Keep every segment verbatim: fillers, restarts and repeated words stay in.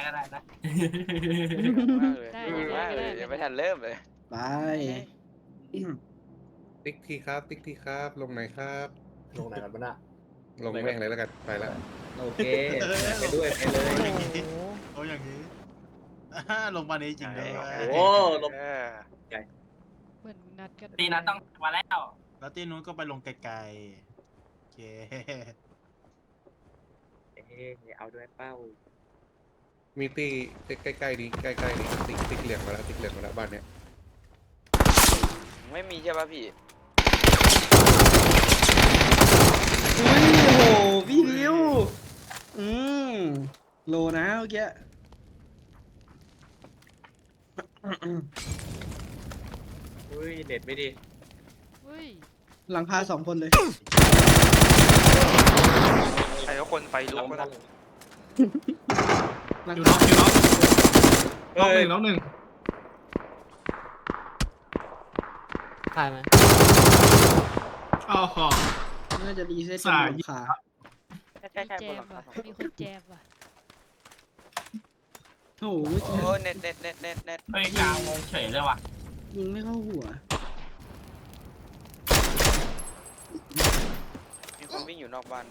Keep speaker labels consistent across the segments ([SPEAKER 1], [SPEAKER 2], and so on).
[SPEAKER 1] ก็ได้นะ
[SPEAKER 2] มากเลยมากเลยยังไม่ทันเริ่มเลย
[SPEAKER 3] ไป
[SPEAKER 4] ติ๊กทีครับติ๊กทีครับลงไหนครับ
[SPEAKER 5] ลงไหนกันบ้างน่ะ
[SPEAKER 4] ลงแม่งเลยแล้วกันไปแล้ว
[SPEAKER 5] โอเคไปด้วยไปเลย
[SPEAKER 6] โอ้อย่างนี้ลงมาในจริงเลย
[SPEAKER 5] โอ้ลง
[SPEAKER 7] เหมือนนัดกัน
[SPEAKER 1] ตีนั้นต้องมาแล้ว
[SPEAKER 6] แล้วตีนู้นก็ไปลงไกลๆโอเค
[SPEAKER 5] เอ๊ะเอาด้วยเป้า
[SPEAKER 4] มีตีใกล้ๆนี้ใกล้ๆนี้ติ๊กติ๊กเหลืองมาแล้วติ๊กเหลืองมาแล้วบ้านเนี้ย
[SPEAKER 2] ไม่มีใช่ป่ะพี่
[SPEAKER 3] อุ้ยโอ้โหพี่ดิวอืมโลนะเมื่อกี้
[SPEAKER 5] อุ้ยเน็ตไม่ดี
[SPEAKER 7] เฮ้ย
[SPEAKER 3] หลังคาสองคนเลย
[SPEAKER 2] ใครก็คนไฟลุกก็นะ
[SPEAKER 3] หลัง
[SPEAKER 8] อยู่
[SPEAKER 3] คา
[SPEAKER 8] น็อกอยู่น็อกน็อกหนึ่งน็อกหนึ่ง
[SPEAKER 9] ถ่ายไหม
[SPEAKER 8] อ้าวขอ
[SPEAKER 3] น่าจะรีเซ็ต
[SPEAKER 8] สาย
[SPEAKER 3] หลังคา
[SPEAKER 2] ใช่ใช่
[SPEAKER 7] มี
[SPEAKER 2] ใช่
[SPEAKER 7] แจ
[SPEAKER 2] บนห
[SPEAKER 7] ม
[SPEAKER 2] ลังคา
[SPEAKER 7] ว่ะมีคนแจมว่ะ
[SPEAKER 3] โอ้โหเมื่อ
[SPEAKER 2] โอ้
[SPEAKER 3] กี้
[SPEAKER 2] เน็ตเน็ตเน็ตเน็ตเน็ต
[SPEAKER 1] เฮ้ยกลางวงเฉยเลยว่ะ
[SPEAKER 3] ยิงไม่เข้าหัว
[SPEAKER 2] มีคนวิ่งอยู่นอกบ้าน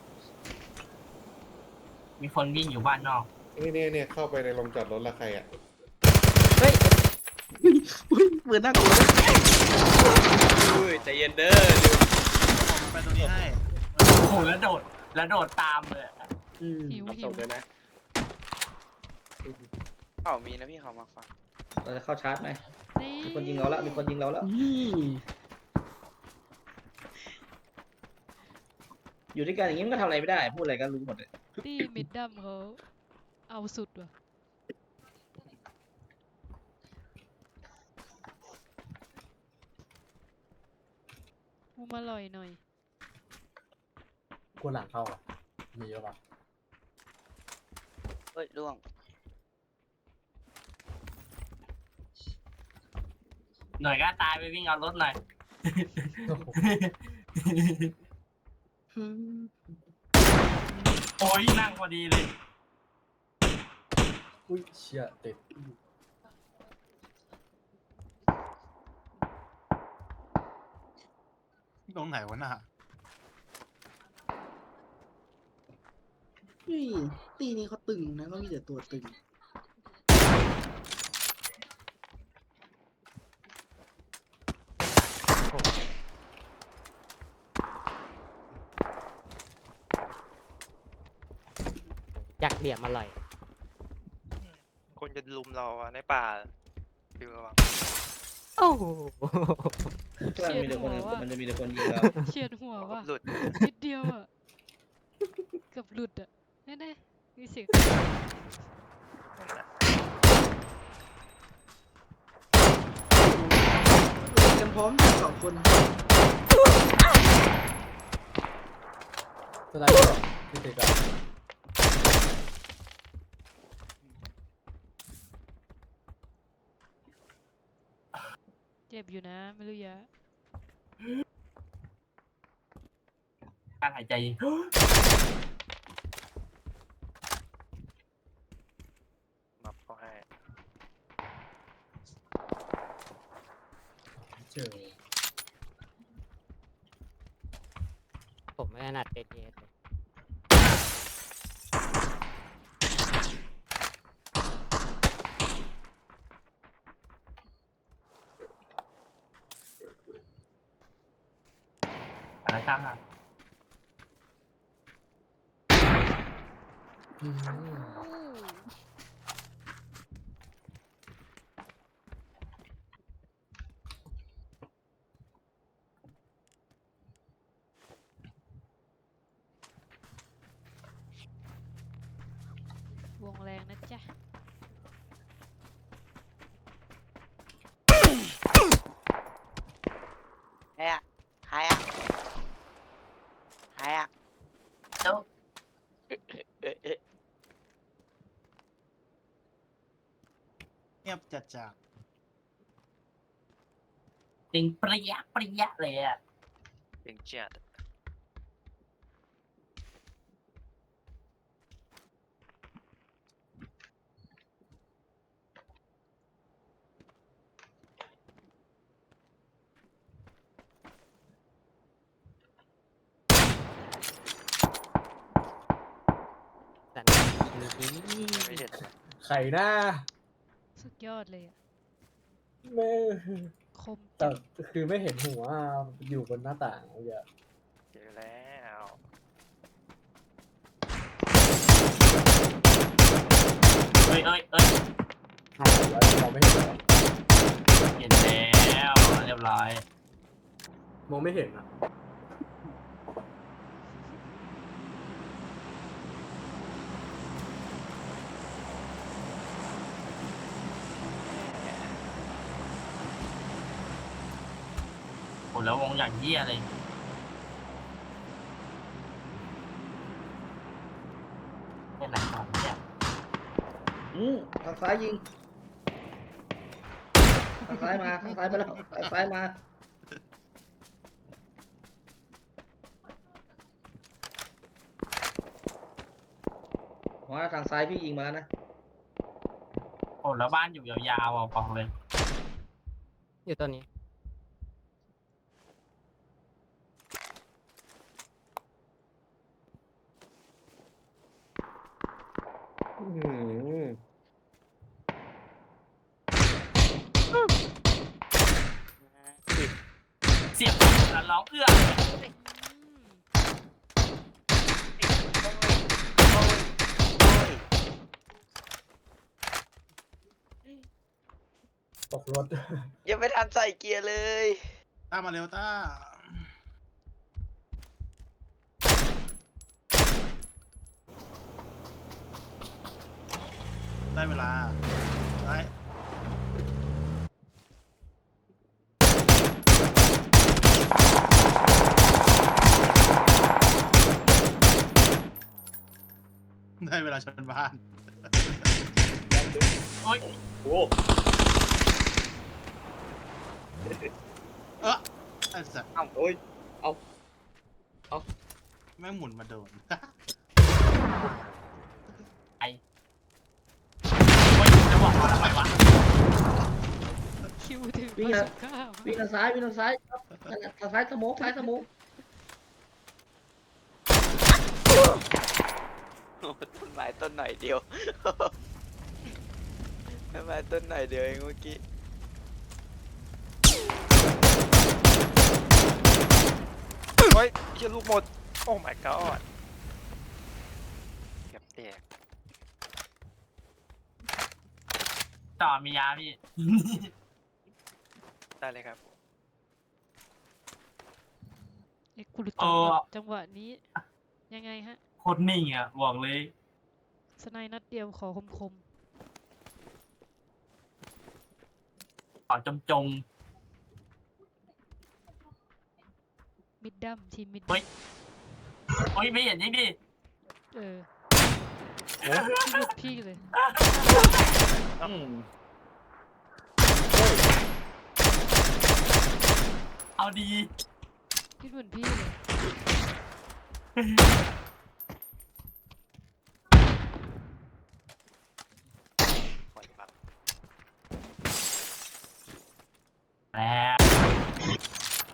[SPEAKER 1] มีคนวิ่งอยู่บ้านนอก
[SPEAKER 4] นี่เนี่ยเนี่ยเข้าไปในโรงจอดรถละใครอ่ะ
[SPEAKER 9] เฮ้ย
[SPEAKER 3] อุ้ยเปิดหน้ากลัวเลย
[SPEAKER 5] อุ้ยใจเย็นเด้อ
[SPEAKER 6] ผมไปตรงนี้ให้
[SPEAKER 1] โอ้โหแล้วโดดแล้วโดดตามเลย
[SPEAKER 3] อืม
[SPEAKER 7] หิว
[SPEAKER 5] รับ
[SPEAKER 7] หิ
[SPEAKER 5] ส่
[SPEAKER 7] ว
[SPEAKER 5] งเลยนะ
[SPEAKER 2] เขามีนะพี่เขามาฟัง
[SPEAKER 5] เราจะเข้าชาร์จไหม
[SPEAKER 7] นี่
[SPEAKER 5] มีคนยิงเราแล้วมีคนยิงเราแล้ว
[SPEAKER 3] นี่
[SPEAKER 5] อยู่ด้วยกันอย่างนี้มันก็ทำอะไรไม่ได้พูดอะไรก็รู้หมดเลย
[SPEAKER 7] ตีมิดดัมเขาเอาสุดว่ะมูมาลอยหน่อย
[SPEAKER 5] ควรหลังเข้าอ่ะมีหรือเปล่า
[SPEAKER 2] เฮ้ยร่วง
[SPEAKER 1] หน่อยก็ตายไปวิ่งเอารถหน่อย
[SPEAKER 3] อืม
[SPEAKER 1] โอ้ยนั่งพอดีเลย
[SPEAKER 5] อุ้ยเชี่ยติด
[SPEAKER 6] ตรงไหนวะน่ะ
[SPEAKER 3] นี่ตีนี้เขาตึงนะเขามีแต่ตัวตึง
[SPEAKER 9] อยากเหลี่ยมอร่อย
[SPEAKER 2] คนจะลุมเราอะในป่าดูระวัง
[SPEAKER 9] โอ้โห
[SPEAKER 5] เพื่อนมีแต่คนมันจะมีแต่คนยิงเรา
[SPEAKER 7] เฉียดหัวว่ะ
[SPEAKER 2] หลุด
[SPEAKER 7] นิดเดียวอ่ะเกือบหลุดอ่ะแน่ๆมีเสียง
[SPEAKER 3] เตรียมพร้อมกันสองคน
[SPEAKER 5] สไลด์ก่อนที่ติดกัน
[SPEAKER 7] เจ็บอยู่นะไม่รู้ยะ
[SPEAKER 1] การหายใจ
[SPEAKER 2] มาพอให้
[SPEAKER 5] เจอ
[SPEAKER 9] ผมไม่ถนัดเอเเลย
[SPEAKER 1] อะไรตั้งอ่ะ
[SPEAKER 7] อู้ วงแรงนะจ๊ะ
[SPEAKER 2] ใครอะใครอะใครอะ
[SPEAKER 1] เจ้า
[SPEAKER 2] เอ๊ะเอ๊ะเอ๊ะ
[SPEAKER 6] เงียบจัดจาก
[SPEAKER 1] จริงเปรี้ยเปรี้ยเลยอ่ะ
[SPEAKER 2] เป็นจัด
[SPEAKER 10] ไข่หน้า
[SPEAKER 7] สุดยอดเลยอะ
[SPEAKER 10] ไม่
[SPEAKER 7] คม
[SPEAKER 10] แต่
[SPEAKER 7] จัด
[SPEAKER 10] คือไม่เห็นหัวอยู่บนหน้าต่างเมื่อกี้
[SPEAKER 2] เจอแล้ว
[SPEAKER 1] เอ้ยเอ้ยเอ้ย
[SPEAKER 10] แล้วเราไม่เห็นเหรอ
[SPEAKER 1] เห็นแล้วเรียบร้อย
[SPEAKER 10] มองไม่เห็นอ่ะ
[SPEAKER 1] โอ้แล้ววงอย่างเยี่ยเลยเป็นไหนของเนี่ย
[SPEAKER 5] อืมทางซ้ายยิงทางซ้ายมาทางซ้ายมาแล้วทางซ้ายมาว่าทางซ้ายพี่ยิงมาแล้วนะ
[SPEAKER 1] โอ้แล้วบ้านอยู่ยาวๆอ่ะบอกเลย
[SPEAKER 9] อยู่ตัวนี้
[SPEAKER 4] อื้อหือ
[SPEAKER 1] เสียบแล้วร้องเอื้อ
[SPEAKER 7] อืม
[SPEAKER 10] ตกรถ
[SPEAKER 2] ยังไม่ทันใส่เกียร์เลย
[SPEAKER 6] ต้ามาเร็วต้า ได้เวลาได้ ได้เวลาชนบ้าน
[SPEAKER 1] โอ้ย
[SPEAKER 10] โอ้
[SPEAKER 6] เออไอ้สัส
[SPEAKER 5] เอ้าโอ้ย
[SPEAKER 6] แม่งหมุนมาโดน
[SPEAKER 1] ไอ้โอ้ยจะบอกว่าอะไรวะ
[SPEAKER 7] คิวถึง
[SPEAKER 5] วิ่ง
[SPEAKER 7] ร้อย
[SPEAKER 5] นะ
[SPEAKER 7] สิบเก้า
[SPEAKER 5] วิ่งทางซ้ายวิ่งทางซ้ายครับนั่นน่ะทางซ้ายสโมกซ้ายสโมก
[SPEAKER 2] ต้นไม้ต้นหน่อยเดียว ต้นไม้ต้นหน่อยเดียวเองเมื่อกี้เฮ้ยเชี่ยลูกหมด โอ้ my god เกือบแตก
[SPEAKER 1] ต่อมียาพี่
[SPEAKER 2] ได้เลยครับ
[SPEAKER 7] เอ็กซ์กูรุต
[SPEAKER 1] เออ
[SPEAKER 7] จังหวะนี้ ยังไงฮะ
[SPEAKER 1] โคตรนิ่งอ่ะบอกเลย
[SPEAKER 7] สไนด์นัดเดียวขอคมคม
[SPEAKER 1] ขอจมจม
[SPEAKER 7] ๆมิดดัมทีมมิด
[SPEAKER 1] เฮ้ย โอ้ยไม่เห็นนี่ดิ
[SPEAKER 7] เออพี่ลูกพี่เลย
[SPEAKER 5] อืม
[SPEAKER 1] เอาดี
[SPEAKER 7] พี่เหมือนพี่เลย
[SPEAKER 2] ปล่อยบัง
[SPEAKER 1] แล้ว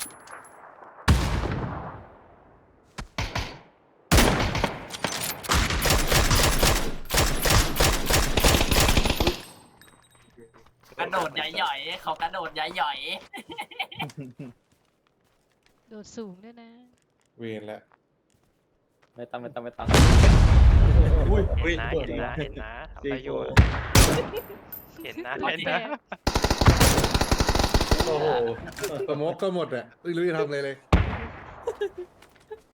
[SPEAKER 1] กระโดดใหญ่ๆเขากระโดดใหญ่
[SPEAKER 7] โดดสูงด้วยนะ
[SPEAKER 4] เวรแล้ว
[SPEAKER 5] ไม่ต้องไม่ต้องไม่ต้อง
[SPEAKER 10] อุ้ย
[SPEAKER 2] เห็
[SPEAKER 10] อุ้ย
[SPEAKER 2] นนะ
[SPEAKER 10] เปิด
[SPEAKER 2] เห็น
[SPEAKER 10] เล
[SPEAKER 2] นะ
[SPEAKER 10] ย
[SPEAKER 2] เห็นนะทำประโยชน์เห็นนะ
[SPEAKER 7] โอ
[SPEAKER 2] เห็น
[SPEAKER 7] เค
[SPEAKER 2] นะ
[SPEAKER 4] โอ้โหสโมกก็หมดอ่ะไม่รู้จะทำอะไรเลย